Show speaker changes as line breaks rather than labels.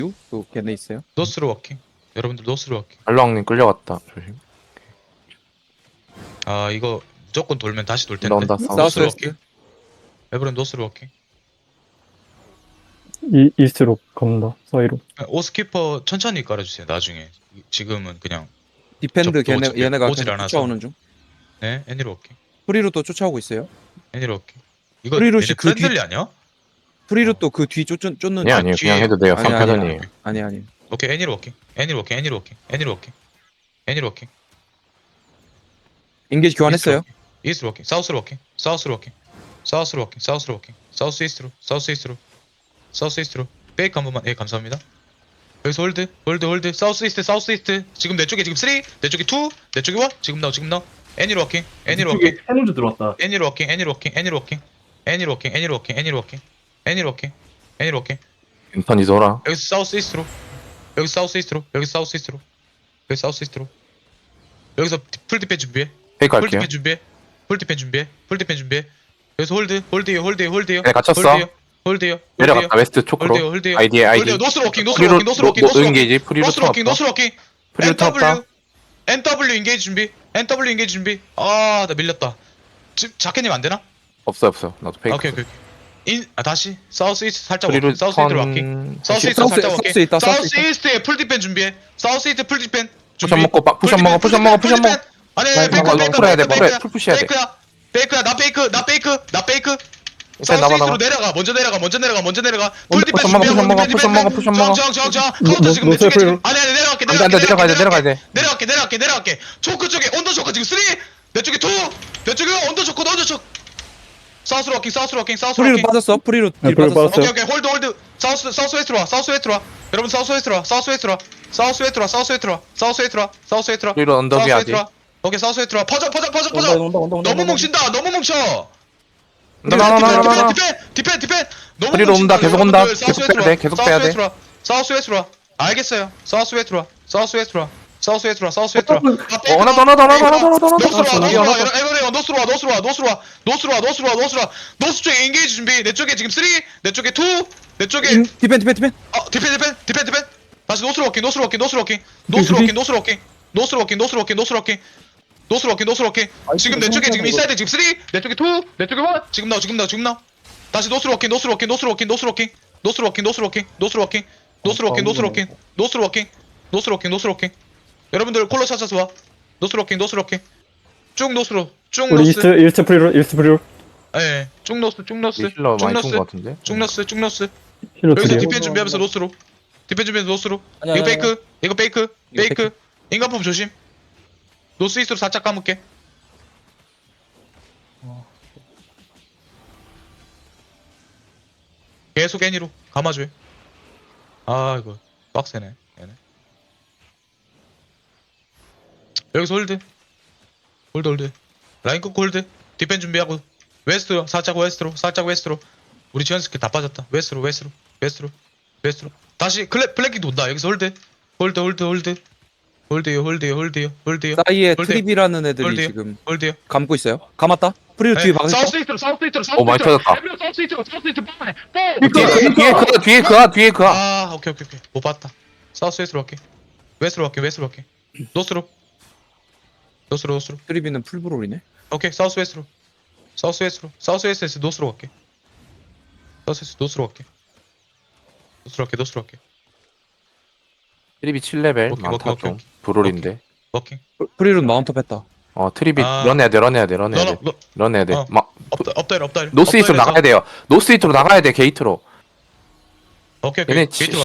또 걔네 있어요?
노스로 워킹. 여러분들 노스로 워킹.
알랑님 끌려갔다. 조심.
아 이거 무조건 돌면 다시 돌 텐데.
나온다.
노스로
사우스
워킹.
웨스트.
에브런 노스로 워킹.
이스트로 갑니다. 사이로.
오스키퍼 천천히 깔아주세요. 나중에. 지금은 그냥
디펜드
저-
걔네 얘네가
오질
계속
않아서.
쫓아오는 중.
네 애니로 워킹.
프리루 또 쫓아오고 있어요.
애니로 워킹. 이거
프리로시
얘네
그 뒤-
프렌들리 아니야?
프리루 또 그 뒤 쫓는
아니 아니요.
뒤에-
그냥 해도 돼요.
아니, 아니,
3패전이에요.
아니.
오케이 애니로 워킹. 애니로 워킹. 애니로 워킹. 애니로 워킹. 애니로 워킹.
인게이지 교환했어요.
이스트로 워킹. 사우스로 워킹. 사우스로 워킹. 사우스로 워킹. 사우스로 워킹. 사우스 이스트로. 사우스 이스트로. 사우스 이스트로. 베이크 한 번만. 예 감사합니다. 여기서 홀드. 사우스 이스트. 사우스 이스트. 지금 내 쪽에 지금 3, 내 쪽에 2, 내 쪽에 1. 지금 나와. 애니로 워킹. 애니로 워킹.
해노즈 들어왔다.
애니로 워킹. 애니로 워킹. 애니로 워킹. 애니로 워킹. 애니로 워킹. 애니로 워킹. 애니로 워킹. 애니로 워킹.
인턴 이소라.
여기서 사우스 이스트로. 여기서 사우스 이스트로. 여기서 사우스 이스트로. 여기서 사우스 이스트로. 여기서 풀 디펜 준비해.
페이크
풀
할게요.
디펜 준비해. 풀 디펜 준비해. 풀 디펜 준비해. 여기서 홀드요.
네, 갇혔어.
홀드요.
내려갔다. 웨스트 초크로.
홀드요.
아이디.
노스로 워킹.
프리로 인게이지. 프리로 터졌다.
노스로 워킹.
프리로 터졌다.
NW 인게이지 준비. NW 인게이지 준비. 아, 나 밀렸다. 지금 자켓님 안 되나?
없어요. 나도 페이크.
오케이. 다시 사우스 이스트 살짝
프리로
워킹. 사우스 이스트로 워킹. 사우스 이스트
사우스-
살짝
사우스
워킹.
있다, 사우스
사우스 이스트에 풀 디펜 준비해. 사우스 이스트 풀 디펜 준비.
푸션 먹고 푸션 먹어.
아니,
이거 풀어야 돼. 풀 푸셔야 돼.
베이크야. 나 베이크.
일단
사우스
나와.
이스트로 내려가. 먼저 내려가. 풀 디펜
푸션 먹어.
준비하고
푸션 먹어. 푸션 먹어.
정. 카운터 지금 내 쪽에 지금. 아니, 내려가야 돼. 내려갈게. 초크 쪽에 언더 초크 지금 3. 내 쪽에 2. 내 쪽에 언더 초크. 사우스로 워킹.
프리루 빠졌어. 프리루
네,
딜
프리루
빠졌어.
빠졌어요.
오케이. 홀드. 사우스 웨스트로 와. 여러분 사우스 웨스트로 와.
프리로 언더비 아직.
오케이, 사우스 웨스트로 와. 퍼져.
온다.
너무 뭉친다. 너무 뭉쳐.
나나나나나.
디펜. 너무
프리로 온다.
뭉친다.
계속 온다.
여러분들,
계속 빼야 돼. 계속 빼야 돼.
사우스 웨스트로 와. 알겠어요. 사우스 웨스트로 와.
하나
노스 쪽에 인게이지 준비. 내 쪽에 지금 3, 내 쪽에 2, 내 쪽에
디펜.
디펜. 다시 노스로 워킹. 지금 내 쪽에 지금 인사이드 지금 3, 내 쪽에 2, 내 쪽에 1. 지금 나와. 다시 노스로 워킹. 여러분들 콜러 찾아서 와. 노스로 워킹. 쭉
우리
노스.
이스트 프리로.
예. 쭉 노스.
힐러 많이 쏜것 같은데.
쭉 노스.
힐러
여기서
드리요.
디펜 준비하면서 노스로.
아니야,
이거 페이크.
페이크.
인간품 조심. 노스 이스트로 살짝 감을게. 계속 애니로 감아줘. 아 이거 빡세네. 얘네. 여기서 홀드. 라인 끄고 홀드. 디펜 준비하고 웨스트로 살짝 웨스트로. 우리 지원 스킬 다 빠졌다. 웨스트로. 다시 블랙킹 돈다. 여기서 홀드. 홀드요.
사이에
홀드.
트립이라는 애들이
홀드요.
지금
홀드요.
감고 있어요. 감았다. 프리루 뒤에 막았어.
사우스 이스트로.
오, 많이 터졌다.
사우스 이스트로.
뒤에 그아.
아, 오케이. 못 봤다. 사우스 웨스트로 갈게. 웨스트로 갈게. 노스로.
트립이는 풀브롤이네.
오케이, 사우스 웨스트로. 사우스에서 노스로 갈게. 노스로 갈게.
트립이 7레벨
오케이,
많다
오케이,
좀.
오케이.
브롤인데.
워킹.
프리루 마운트 뺐다.
트립이
아.
런해야 돼.
너
런해야 돼.
어.
막
없다.
노스 이스트로 나가야 돼요. 노스 이스트로 나가야 돼. 게이트로.
오케이.
얘네
게이트